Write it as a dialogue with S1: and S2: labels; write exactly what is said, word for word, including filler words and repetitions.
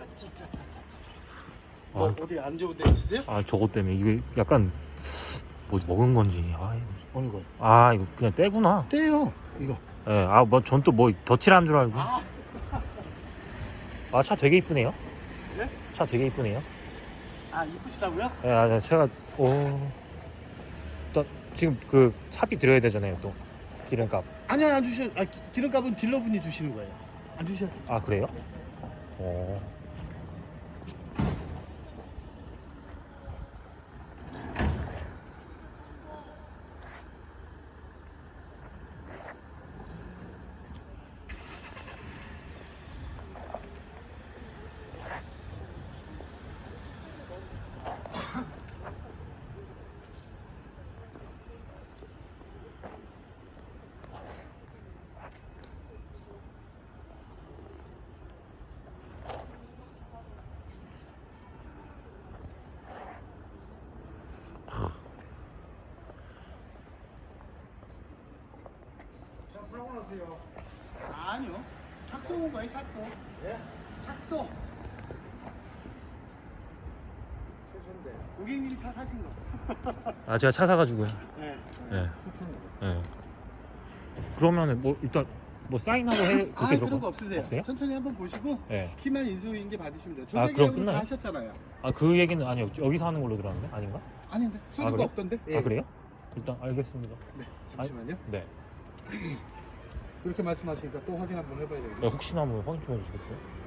S1: 짜짜짜짜짜.
S2: 아,
S1: 뭐 어디 안 좋은 데 있으세요?
S2: 아 저것 때문에 이게 약간 뭐 먹은 건지. 아, 이거-
S1: 어느 거요?
S2: 아 이거 그냥 때구나.
S1: 떼요 이거.
S2: 예, 아 뭐 전 또 뭐 덧칠한 줄 알고.
S1: 아,
S2: 아 차 되게 이쁘네요.
S1: 네?
S2: 차 되게 이쁘네요.
S1: 아 이쁘시다고요?
S2: 예, 아 제가 오. 또 지금 그 차비 드려야 되잖아요 또 기름값.
S1: 아니요 안 주셔. 아 기- 기름값은 딜러분이 주시는 거예요. 안 주셔도 돼요.
S2: 아 그래요?
S1: 네.
S2: 어.
S1: 자 사고 나세요. 아니요. 탁소 온 거예요 탁소. 예? 탁소. 고객님이 차 사신 거.
S2: 아 제가 차 사가지고요.
S1: 네.
S2: 예.
S1: 수천으로.
S2: 예. 그러면은 뭐 일단 뭐 사인하고 해 그렇게
S1: 아
S2: 들어가-
S1: 그런 거 없으세요.
S2: 없어요?
S1: 천천히 한번 보시고
S2: 예.
S1: 키만 인수인계 받으시면 돼요.
S2: 아,
S1: 전자
S2: 그럼
S1: 계약은 다
S2: 끝나요?
S1: 하셨잖아요.
S2: 아 그 얘기는 아니요 여기서 하는 걸로 들었는데 아닌가?
S1: 아닌데 서류가
S2: 그래요?
S1: 없던데?
S2: 아 그래요? 일단 알겠습니다.
S1: 네 잠시만요.
S2: 네.
S1: 그렇게 말씀하시니까 또 확인 한번 해봐야
S2: 네,
S1: 되겠네요.
S2: 혹시나 한번 확인 좀 해주시겠어요?